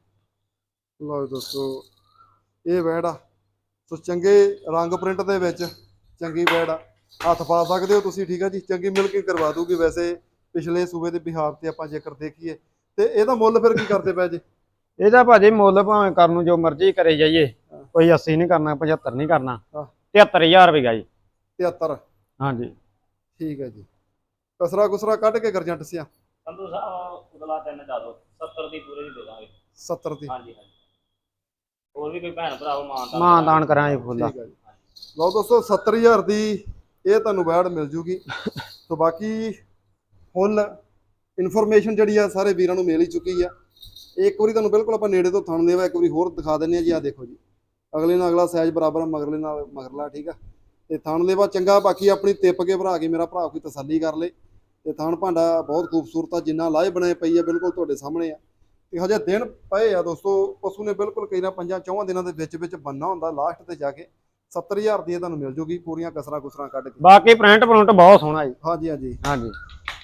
Speaker 1: ਲਓ ਜੀ ਦੋਸਤੋ, ਇਹ ਵੈੜ ਆ, ਸੋ ਚੰਗੇ ਰੰਗ ਪ੍ਰਿੰਟ ਦੇ ਵਿੱਚ ਚੰਗੀ ਵੈੜ ਆ, ਹੱਥ ਪਾ ਸਕਦੇ ਹੋ ਤੁਸੀਂ, ਠੀਕ ਆ ਜੀ। ਚੰਗੀ ਮਿਲ ਕੇ ਕਰਵਾ ਦੂਗੀ। ਵੈਸੇ ਪਿਛਲੇ ਸੂਬੇ ਦੇ ਬਿਹਾਰ ਤੇ ਆਪਾਂ ਜੇਕਰ ਦੇਖੀਏ ਤੇ ਇਹਦਾ ਮੁੱਲ ਫਿਰ ਕੀ ਕਰਦੇ ਪਏ ਜੀ?
Speaker 2: ਇਹਦਾ ਭਾਜੀ ਮੁੱਲ ਭਾਵੇਂ ਕਰਨ ਨੂੰ ਜੋ ਮਰਜ਼ੀ ਕਰੇ ਜਾਈਏ, ਕੋਈ ਅੱਸੀ ਨਹੀਂ ਕਰਨਾ, ਪਝੱਤਰ ਨਹੀਂ ਕਰਨਾ,
Speaker 1: ਹਾਂ।
Speaker 2: ਤਿਹੱਤਰ ਹਜ਼ਾਰ ਰੁਪਏ ਜੀ।
Speaker 1: ਤਿਹੱਤਰ।
Speaker 2: ਹਾਂਜੀ
Speaker 1: ਠੀਕ ਹੈ ਜੀ। ਕਸਰਾ ਕੁਸਰਾ ਕੱਢ ਕੇ ਗਰਜੰਟ ਸਿਆ
Speaker 3: ਸੰਧੂ ਸਾਹਿਬ ਉਦਲਾ ਤਿੰਨ ਜਾ ਦੋ, ਸੱਤਰ ਦੀ ਪੂਰੇ ਦੀ ਦੇ ਦਾਂਗੇ।
Speaker 1: ਸੱਤਰ ਦੀ।
Speaker 3: ਹਾਂਜੀ ਹਾਂਜੀ। ਹੋਰ ਵੀ ਕੋਈ ਭੈਣ ਭਰਾਵੋ ਮਾਨਦਾਨ
Speaker 2: ਮਾਂ ਦਾਨ ਕਰਾਂਗੇ ਫੁੱਲਾ।
Speaker 1: ਠੀਕ ਹੈ ਜੀ। ਲਓ ਦੋਸਤੋ, ਸੱਤਰ ਹਜ਼ਾਰ ਦੀ ਇਹ ਤੁਹਾਨੂੰ ਵੈੜ ਮਿਲ ਜੂਗੀ। ਸੋ ਬਾਕੀ ਫੁੱਲ ਇਨਫੋਰਮੇਸ਼ਨ ਜਿਹੜੀ ਆ ਸਾਰੇ ਵੀਰਾਂ ਨੂੰ ਮਿਲ ਹੀ ਚੁੱਕੀ ਆ। ਇੱਕ ਵਾਰੀ ਤੁਹਾਨੂੰ ਬਿਲਕੁਲ ਆਪਾਂ ਨੇੜੇ ਤੋਂ ਥਣ ਦੇਵਾ ਇੱਕ ਵਾਰੀ ਹੋਰ ਦਿਖਾ ਦਿੰਦੇ ਆ ਜੀ। ਆ ਦੇਖੋ ਜੀ, ਅਗਲੇ ਨਾਲ ਅਗਲਾ ਸਾਈਜ਼ ਬਰਾਬਰ, ਮਗਰਲੇ ਨਾਲ ਮਗਰਲਾ, ਠੀਕ ਆ। ਤੇ ਥਣ ਦੇਵਾ ਚੰਗਾ। ਬਾਕੀ ਆਪਣੀ ਤਿੱਪ ਕੇ ਭਰਾ ਕੇ ਮੇਰਾ ਭਰਾ ਕੋਈ ਤਸੱਲੀ ਕਰ ਲੇ। ਤੇ ਥਣ ਭਾਂਡਾ ਬਹੁਤ ਖੂਬਸੂਰਤ ਆ, ਜਿੰਨਾ ਲਾਏ ਬਣਾਏ ਪਈ ਆ, ਬਿਲਕੁਲ ਤੁਹਾਡੇ ਸਾਹਮਣੇ ਆ। ਤੇ ਹਜੇ ਦਿਨ ਪਏ ਆ ਦੋਸਤੋ, ਪਸ਼ੂ ਨੇ ਬਿਲਕੁਲ ਕਈ ਨਾ ਪੰਜਾਂ ਚੌਹਾਂ ਦਿਨਾਂ ਦੇ ਵਿੱਚ ਵਿੱਚ ਬੰਨਾ ਹੁੰਦਾ। ਲਾਸਟ ਤੇ ਜਾ ਕੇ ਸੱਤਰ ਹਜ਼ਾਰ ਦੀ ਤੁਹਾਨੂੰ ਮਿਲ ਜੂਗੀ, ਪੂਰੀਆਂ ਕਸਰਾਂ ਕੁਸਰਾਂ ਕੱਢ ਕੇ।
Speaker 2: ਬਾਕੀ ਪ੍ਰਿੰਟ ਪ੍ਰਿੰਟ ਬਹੁਤ ਸੋਹਣਾ ਜੀ।
Speaker 1: ਹਾਂਜੀ ਹਾਂਜੀ।
Speaker 2: ਹਾਂਜੀ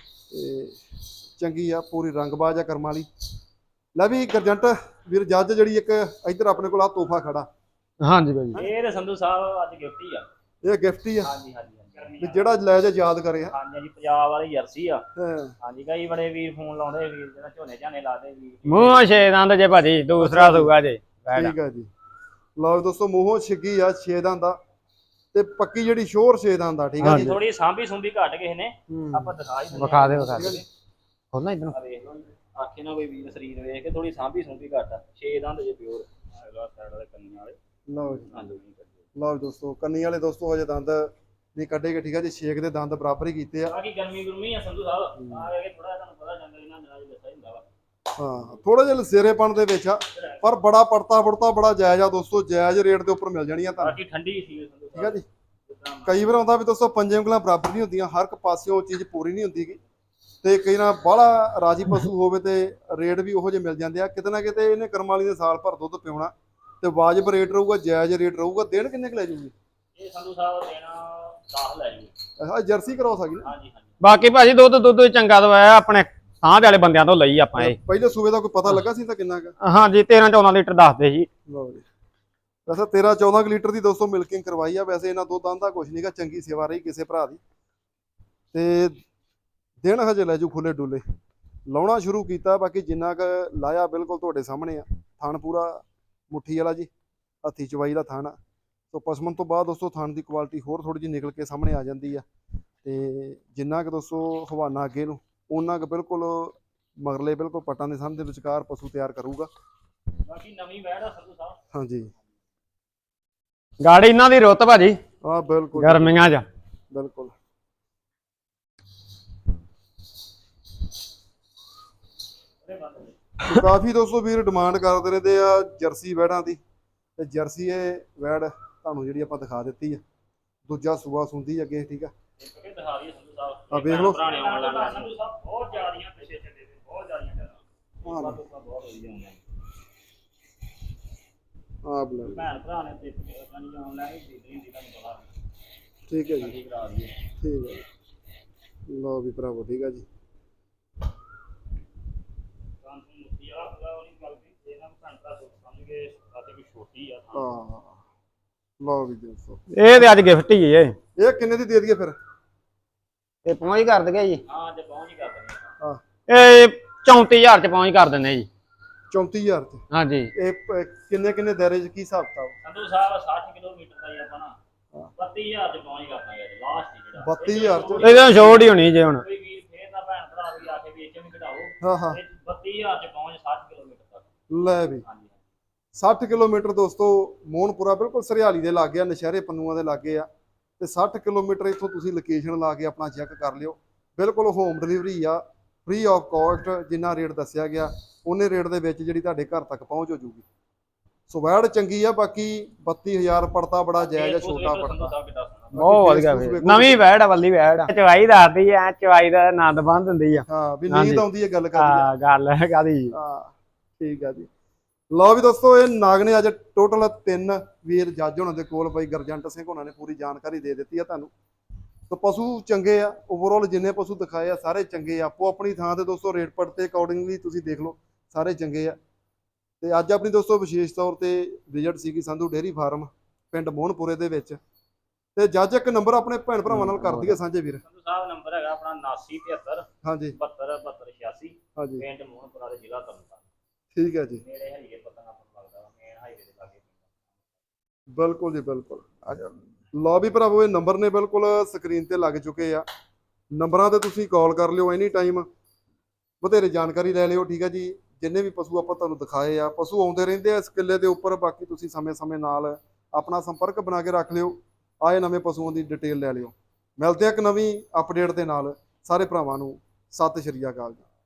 Speaker 1: ਤੇ ਚੰਗੀ ਆ, ਪੂਰੀ ਰੰਗਬਾਜ਼ ਆ ਕਰਮਾਂ ਵਾਲੀ। ਲੈ ਵੀ ਗਰਜੰਟ ਵੀਰ ਜੱਜ, ਜਿਹੜੀ ਇੱਕ ਇੱਧਰ ਆਪਣੇ ਕੋਲ ਆ ਤੋਹਫਾ ਖੜਾ।
Speaker 2: ਹਾਂਜੀ ਭਾਜੀ।
Speaker 3: ਇਹ ਤੇ ਸੰਧੂ ਸਾਹਿਬ ਅੱਜ ਗਿਫਟ ਹੀ ਆ।
Speaker 1: ਇਹ ਗਿਫਟ ਹੀ ਆ
Speaker 3: ਹਾਂਜੀ ਹਾਂਜੀ ਹਾਂਜੀ।
Speaker 1: ਵੀ ਜਿਹੜਾ ਲੈ ਜਾ ਯਾਦ ਕਰੇ।
Speaker 3: ਹਾਂਜੀ ਹਾਂਜੀ, ਪੰਜਾਬ ਵਾਲੀ ਜਰਸੀ ਆ।
Speaker 1: ਹਾਂ।
Speaker 3: ਹਾਂਜੀ ਕਈ ਬੜੇ ਵੀਰ ਫੋਨ ਲਾਉਂਦੇ, ਵੀਰ ਜਿਹੜਾ ਝੋਨੇ ਝਾਨੇ ਲਾਦੇ ਵੀਰ।
Speaker 2: ਮੂੰਹ ਛੇ ਦੰਦ ਜੇ ਭਾਜੀ, ਦੂਸਰਾ ਸੂਗਾ ਜੇ।
Speaker 1: ਠੀਕ ਆ ਜੀ। ਲਓ ਦੋਸਤੋ, ਮੂੰਹੋਂ ਛਿੱਗੀ ਆ ਛੇ ਦੰਦ ਦਾ, ਤੇ ਪੱਕੀ ਜਿਹੜੀ ਸ਼ੋਰ ਛੇ ਦੰਦ ਦਾ, ਠੀਕ ਆ ਜੀ।
Speaker 3: ਥੋੜੀ ਸਾਂਭੀ ਸੁੰਭੀ ਘੱਟ ਕਿਸੇ ਨੇ, ਆਪਾਂ ਦਿਖਾ ਹੀ ਦਿੰਦੇ।
Speaker 2: ਵਿਖਾ ਦੇ ਵਿਖਾ ਦੇ। ਖੋਲਣਾ ਇਧਰੋਂ।
Speaker 3: ਆ ਵੇਖ ਲਓ ਜੀ, ਆਖੇ ਨਾ ਕੋਈ ਵੀਰ ਸਰੀਰ ਵੇਖ ਕੇ ਥੋੜੀ ਸਾਂਭੀ ਸੁੰਭੀ ਘੱਟ ਆ। ਛੇ ਦੰਦ ਜੇ ਪਿਓਰ ਅਗਲਾ ਸਾਈਡ ਵਾਲੇ ਕੰਨੀਆਂ ਵਾਲੇ।
Speaker 1: ਲਓ ਜੀ,
Speaker 3: ਹਾਂਜੀ
Speaker 1: ਲਓ ਜੀ ਦੋਸਤੋ, ਕੰਨੀ ਵਾਲੇ ਦੋਸਤੋ ਹਜੇ ਦੰਦ ਨਹੀਂ ਕੱਢੇਗੇ, ਠੀਕ ਆ ਜੀ। ਛੇਕ ਦੇ ਦੰਦ ਬਰਾਬਰ ਹੀ ਕੀਤੇ ਆ।
Speaker 3: ਬਾਕੀ ਗਰਮੀ ਗੁਰਮੀ ਆ ਸੰਧੂ ਸਾਹਿਬ, ਆ ਕੇ ਥੋੜਾ ਤੁਹਾਨੂੰ ਪਤਾ ਜੰਗਲ ਇਹਨਾਂ ਦਿਨਾਂ 'ਚ ਦੱਸਿਆ ਹੁੰਦਾ ਵਾ।
Speaker 1: ਹਾਂ, ਥੋੜਾ ਜਿਹਾ ਲਸੇਰੇਪਣ ਦੇ ਵਿੱਚ ਆ, ਪਰ ਬੜਾ ਪੜਤਾ ਪੜਤਾ ਬੜਾ ਜਾਇਜ਼ ਆ ਦੋਸਤੋ। ਜਾਇਜ਼ ਰੇਟ ਦੇ ਉੱਪਰ ਮਿਲ ਜਾਣੀਆਂ ਤੁਹਾਨੂੰ,
Speaker 3: ਬਾਕੀ ਠੰਡੀ ਸੀ ਸੰਧੂ
Speaker 1: ਠੀਕ ਆ ਜੀ।
Speaker 3: ਸਾਹਿਬ।
Speaker 1: ਕਈ ਵਾਰ ਆਉਂਦਾ ਵੀ ਦੋਸਤੋ ਪੰਜੇ ਉਂਗਲਾਂ ਬਰਾਬਰ ਨਹੀਂ ਹੁੰਦੀਆਂ, ਹਰ ਇੱਕ ਪਾਸਿਓਂ ਚੀਜ਼ ਪੂਰੀ ਨਹੀਂ ਹੁੰਦੀ ਗੀ। ਤੇ ਕਈ ਨਾ ਬਾਹਲਾ ਰਾਜੀ ਪਸ਼ੂ ਹੋਵੇ ਤੇ ਰੇਟ ਵੀ ਉਹੋ ਜਿਹੇ ਮਿਲ ਜਾਂਦੇ ਆ। ਕਿਤੇ ਨਾ ਕਿਤੇ ਇਹਨੇ ਕਰਮ ਵਾਲੀ ਦੇ ਸਾਲ ਭਰ ਦੁੱਧ ਪਿਉਣਾ, ਤੇ ਵਾਜਬ ਰੇਟ ਰਹੂਗਾ, ਜਾਇਜ਼ ਰੇਟ ਰਹੂਗਾ। ਦਿਨ ਕਿੰਨੇ ਕੁ ਲੈ ਜੂਗੀ
Speaker 3: ਇਹ ਸੰਧੂ ਸਾਹਿਬ ਦੇਣਾ ਦਸ ਲੈ ਜੂ।
Speaker 1: ਆਹ ਜਰਸੀ ਕਰਾਉ ਸਕਦੀ ਨਾ।
Speaker 3: ਹਾਂਜੀ ਹਾਂਜੀ।
Speaker 2: ਬਾਕੀ ਭਾਜੀ ਦੁੱਧ ਦੁੱਧ ਚੰਗਾ ਦਵਾਇਆ, ਆਪਣੇ ਸਾਂਝ ਵਾਲੇ ਬੰਦਿਆਂ ਤੋਂ ਲਈ ਆਪਾਂ ਇਹ।
Speaker 1: ਪਹਿਲੇ ਸੂਬੇ ਦਾ ਕੋਈ ਪਤਾ ਲੱਗਾ ਸੀ ਤਾਂ ਕਿੰਨਾ ਕੁ?
Speaker 2: ਹਾਂਜੀ ਤੇਰਾਂ ਚੌਦਾਂ ਲੀਟਰ ਦੱਸਦੇ ਜੀ।
Speaker 1: ਲਓ ਜੀ, ਵੈਸੇ ਤੇਰਾਂ ਚੌਦਾਂ ਕੁ ਲੀਟਰ ਦੀ ਦੋਸਤੋ ਮਿਲਕਿੰਗ ਕਰਵਾਈ ਆ। ਵੈਸੇ ਇਹਨਾਂ ਦੁੱਧ ਆਂਦਾ ਕੁਛ ਨਹੀਂਗਾ, ਚੰਗੀ ਸੇਵਾ ਰਹੀ ਕਿਸੇ ਭਰਾ ਦੀ। ਤੇ ਦਿਨ ਹਜੇ ਲੈ ਜੂ ਖੁੱਲੇ ਡੁੱਲੇ, ਲਾਉਣਾ ਸ਼ੁਰੂ ਕੀਤਾ। ਬਾਕੀ ਜਿੰਨਾ ਕੁ ਲਾਇਆ ਬਿਲਕੁਲ ਤੁਹਾਡੇ ਸਾਹਮਣੇ ਆ। ਥਣ ਪੂਰਾ ਮੁੱਠੀ ਵਾਲਾ ਜੀ, ਹੱਥੀ ਚਵਾਈ ਦਾ ਥਣ ਆ। ਸੋ ਪਸ਼ਮਨ ਤੋਂ ਬਾਅਦ ਦੋਸਤੋ ਥਣ ਦੀ ਕੁਆਲਿਟੀ ਹੋਰ ਥੋੜੀ ਜਿਹੀ ਨਿਕਲ ਕੇ ਸਾਹਮਣੇ ਆ ਜਾਂਦੀ ਆ। ਤੇ ਜਿੰਨਾ ਕੁ ਦੋਸਤੋ ਹਵਾਨਾ ਅੱਗੇ ਨੂੰ, ਉਹਨਾਂ ਕੁ ਬਿਲਕੁਲ ਮਗਰਲੇ ਬਿਲਕੁਲ ਪੱਟਾਂ ਦੇ ਸਾਹਮਣੇ ਵਿਚਕਾਰ ਪਸ਼ੂ ਤਿਆਰ ਕਰੂਗਾ।
Speaker 3: ਬਾਕੀ ਨਵੀਂ ਵੈੜ ਆ ਸੰਧੂ ਸਾਹਿਬ।
Speaker 1: ਹਾਂਜੀ,
Speaker 2: ਗਾੜੀ ਇਹਨਾਂ ਦੀ ਰੁੱਤ ਭਾਜੀ
Speaker 1: ਹਾਂ ਬਿਲਕੁਲ
Speaker 2: ਗਰਮੀਆਂ 'ਚ।
Speaker 1: ਬਿਲਕੁਲ। ਕਾਫੀ ਦੋਸਤੋ ਵੀਰ ਡਿਮਾਂਡ ਕਰਦੇ ਰਹਿੰਦੇ ਆ ਜਰਸੀ ਵੈੜਾਂ ਦੀ, ਤੇ ਜਰਸੀ ਇਹ ਵੈੜ ਤੁਹਾਨੂੰ ਜਿਹੜੀ ਆਪਾਂ ਦਿਖਾ ਦਿੱਤੀ ਆ। ਦੂਜਾ ਸੂਆ ਸੁੰਦੀ ਅੱਗੇ, ਠੀਕ ਆ।
Speaker 3: ਇਹ ਦਿਖਾ ਦਈਏ ਸੰਧੂ ਸਾਹਿਬ।
Speaker 1: ਆ ਵੇਖ ਲਓ।
Speaker 3: ਪੁਰਾਣੇ ਆਨਲਾਈਨ ਸੰਧੂ ਸਾਹਿਬ ਬਹੁਤ ਜ਼ਿਆਦੀਆਂ ਪਿੱਛੇ ਚੱਲੇ ਨੇ, ਬਹੁਤ ਜ਼ਿਆਦੀਆਂ ਜ਼ਿਆਦਾ।
Speaker 1: ਹਾਂ
Speaker 3: ਬਹੁਤ ਬਹੁਤ ਵਧੀਆ ਹੁੰਦੇ।
Speaker 1: ਆ ਬਲੇ
Speaker 3: ਭੈਣ ਭਰਾ ਨੇ ਤੇ ਆਪਣੀ ਆਨਲਾਈਨ ਖਰੀਦਣੀ ਹੁੰਦੀ, ਤੁਹਾਨੂੰ ਪਤਾ।
Speaker 1: ਠੀਕ ਹੈ ਜੀ,
Speaker 3: ਠੀਕ ਕਰਾ ਦਈਏ।
Speaker 1: ਠੀਕ ਹੈ ਜੀ। ਲਓ ਵੀ ਭਰਾਵੋ, ਠੀਕ ਆ ਜੀ। ਹਾਂ, ਲਓ ਵੀ ਦੋਸਤੋ,
Speaker 2: ਇਹ ਤੇ ਅੱਜ ਗਿਫਟ ਹੀ ਹੈ।
Speaker 1: ਇਹ ਕਿੰਨੇ ਦੀ ਦੇ ਦਈਏ ਫਿਰ?
Speaker 2: ਇਹ ਪਹੁੰਚ ਕਰ ਦਗੇ ਜੀ।
Speaker 3: ਹਾਂ ਜੇ ਪਹੁੰਚ ਹੀ ਕਰ ਦਿੰਦੇ
Speaker 1: ਹਾਂ,
Speaker 2: ਇਹ ਚੌਂਤੀ ਹਜ਼ਾਰ 'ਚ ਪਹੁੰਚ ਕਰ ਦਿੰਦੇ ਜੀ।
Speaker 1: ਚੌਂਤੀ ਹਜ਼ਾਰ ਤੇ
Speaker 2: ਹਾਂਜੀ।
Speaker 1: ਇਹ ਪ- ਕਿੰਨੇ ਕਿੰਨੇ ਦਾਇਰੇ 'ਚ ਕੀ ਹਿਸਾਬ ਕਿਤਾਬ?
Speaker 3: ਸੰਧੂ ਸਾਹਿਬ ਸੱਠ ਕਿਲੋਮੀਟਰ ਦਾ ਹੀ ਆਪਾਂ ਨਾ ਬੱਤੀ ਹਜ਼ਾਰ ਚ ਪਹੁੰਚ ਕਰਨਾ ਯਾਰ, ਲਾਸਟ ਹੀ ਜਿਹੜਾ
Speaker 1: ਬੱਤੀ ਹਜ਼ਾਰ ਚ?
Speaker 2: ਇਹਦਾ ਛੋਟ ਹੀ ਹੋਣੀ ਜੇ ਹੁਣ।
Speaker 3: ਕੋਈ ਵੀਰ ਫੇਰ ਤਾਂ ਭੈਣ ਭਰਾ ਵੀ ਆ ਕੇ ਵੇਚ ਵੀ ਕਢਾਓ।
Speaker 1: ਹਾਂ ਹਾਂ,
Speaker 3: ਇਹ ਬੱਤੀ ਹਜ਼ਾਰ ਚ ਪਹੁੰਚ ਸੱਠ ਕਿਲੋਮੀਟਰ ਤੱਕ।
Speaker 1: ਲੈ ਵੀ
Speaker 3: ਹਾਂਜੀ
Speaker 1: ਸੱਠ ਕਿਲੋਮੀਟਰ ਦੋਸਤੋ, ਮੋਹਨਪੁਰਾ ਬਿਲਕੁਲ ਸਰਿਆਲੀ ਦੇ ਲਾਗੇ ਆ, ਨਸ਼ਹਿਰੇ ਪੰਨੂਆਂ ਦੇ ਲਾਗੇ ਆ। ਤੇ ਸੱਠ ਕਿਲੋਮੀਟਰ ਇੱਥੋਂ ਤੁਸੀਂ ਲੋਕੇਸ਼ਨ ਲਾ ਕੇ ਆਪਣਾ ਚੈੱਕ ਕਰ ਲਿਓ। ਬਿਲਕੁਲ ਹੋਮ ਡਿਲੀਵਰੀ ਆ, ਫ੍ਰੀ ਆਫ ਕਾਸਟ। ਜਿੰਨਾ ਰੇਟ ਦੱਸਿਆ ਗਿਆ ਉਹਨੇ ਰੇਟ ਦੇ ਵਿੱਚ ਜਿਹੜੀ ਤੁਹਾਡੇ ਘਰ ਤੱਕ ਪਹੁੰਚ ਹੋ ਜੂਗੀ। ਸੋ ਵੈੜ ਚੰਗੀ ਆ, ਬਾਕੀ ਬੱਤੀ ਹਜ਼ਾਰ ਪੜਤਾ ਬੜਾ ਜਾਇਜ਼ ਆ, ਛੋਟਾ ਪੜਤਾ।
Speaker 2: ਬਹੁਤ ਵਧੀਆ ਵੇ, ਨਵੀਂ ਵੈੜ ਆ, ਵੱਲੀ ਵੈੜ ਆ, ਚਵਾਈ ਦੱਸਦੀ ਐ, ਚਵਾਈ ਦਾ ਆਨੰਦ ਬੰਦ ਹੁੰਦੀ ਆ।
Speaker 1: ਹਾਂ ਵੀ
Speaker 2: ਹਾਂਜੀ।
Speaker 1: ਨੀਂਦ ਆਉਂਦੀ ਹੈ ਗੱਲ ਕਰਦੀ
Speaker 2: ਹਾਂ ਗੱਲ ਹੈ ਕਾਦੀ।
Speaker 1: ਹਾਂ ਠੀਕ ਆ ਜੀ। ਲਓ ਵੀ ਦੋਸਤੋ, ਇਹ ਨਾਗ ਨੇ ਅੱਜ ਟੋਟਲ ਤਿੰਨ ਵੀਰ ਜੱਜ ਹੋਣਾ ਦੇ ਕੋਲ ਬਾਈ ਗੁਰਜੰਟ ਸਿੰਘ ਹੋਣਾ ਨੇ ਪੂਰੀ ਜਾਣਕਾਰੀ ਦੇ ਦਿੱਤੀ ਆ ਤੁਹਾਨੂੰ। ਤੇ ਪਸ਼ੂ ਚੰਗੇ ਆ, ਓਵਰਆਲ ਜਿੰਨੇ ਪਸ਼ੂ ਦਿਖਾਏ ਆ ਸਾਰੇ ਚੰਗੇ ਆ। ਆਪੋ ਆਪਣੀ ਥਾਂ ਤੇ ਦੋਸਤੋ ਰੇਟ ਪੱਟ ਤੇ ਅਕੋਰਡਿੰਗਲੀ ਤੁਸੀਂ ਦੇਖ ਲਓ, ਸਾਰੇ ਚੰਗੇ ਆ। ਤੇ ਅੱਜ ਆਪਣੀ ਦੋਸਤੋ ਵਿਸ਼ੇਸ਼ ਤੌਰ ਤੇ ਵਿਜ਼ਿਟ ਸੀਗੀ ਸੰਧੂ ਡੇਅਰੀ ਫਾਰਮ ਪਿੰਡ ਮੋਹਨਪੁਰੇ ਦੇ ਵਿੱਚ। ਤੇ ਜੱਜ ਇੱਕ ਨੰਬਰ ਆਪਣੇ ਭੈਣ ਭਰਾਵਾਂ ਨਾਲ ਕਰ ਦਈਏ ਸਾਂਝੇ ਵੀਰ।
Speaker 3: ਸੰਧੂ ਸਾਹਿਬ ਨੰਬਰ ਹੈਗਾ ਆਪਣਾ ਉਨਾਸੀ ਤਿਹੱਤਰ
Speaker 1: ਹਾਂਜੀ
Speaker 3: ਬਹੱਤਰ ਬਹੱਤਰ ਛਿਆਸੀ,
Speaker 1: ਹਾਂਜੀ
Speaker 3: ਪਿੰਡ ਮੋਹਨਪੁਰਾ ਦੇ ਜ਼ਿਲ੍ਹਾ ਤਰਨਤਾਰਨ।
Speaker 1: ਠੀਕ ਹੈ ਜੀ,
Speaker 3: ਨੇੜੇ ਹਾਈਵੇ ਪਤਾ ਨਾ ਆਪਾਂ ਲੱਗਦਾ ਵਾ, ਮੇਨ ਹਾਈਵੇ ਦੇ ਲਾਗੇ।
Speaker 1: ਬਿਲਕੁਲ ਜੀ ਬਿਲਕੁਲ। ਆ ਜਾ ਲਓ ਵੀ ਭਰਾਵੋ, ਇਹ ਨੰਬਰ ਨੇ ਬਿਲਕੁਲ ਸਕਰੀਨ ਤੇ ਲੱਗ ਚੁੱਕੇ ਆ। ਨੰਬਰਾਂ ਤੇ ਤੁਸੀਂ ਕਾਲ ਕਰ ਲਿਓ ਐਨੀ ਟਾਈਮ, ਬਥੇਰੇ ਜਾਣਕਾਰੀ ਲੈ ਲਿਓ। ਠੀਕ ਹੈ ਜੀ। ਜਿੰਨੇ ਵੀ ਪਸ਼ੂ ਆਪਾਂ ਤੁਹਾਨੂੰ ਦਿਖਾਏ ਆ, ਪਸ਼ੂ ਆਉਂਦੇ ਰਹਿੰਦੇ ਆ ਇਸ ਕਿੱਲੇ ਦੇ ਉੱਪਰ। ਬਾਕੀ ਤੁਸੀਂ ਸਮੇਂ-ਸਮੇਂ ਨਾਲ ਆਪਣਾ ਸੰਪਰਕ ਬਣਾ ਕੇ ਰੱਖ ਲਿਓ, ਆਏ ਨਵੇਂ ਪਸ਼ੂਆਂ ਦੀ ਡਿਟੇਲ ਲੈ ਲਿਓ। ਮਿਲਦੇ ਆ ਇੱਕ ਨਵੀਂ ਅਪਡੇਟ ਦੇ ਨਾਲ। ਸਾਰੇ ਭਰਾਵਾਂ ਨੂੰ ਸਤਿ ਸ਼੍ਰੀ ਅਕਾਲ ਜੀ।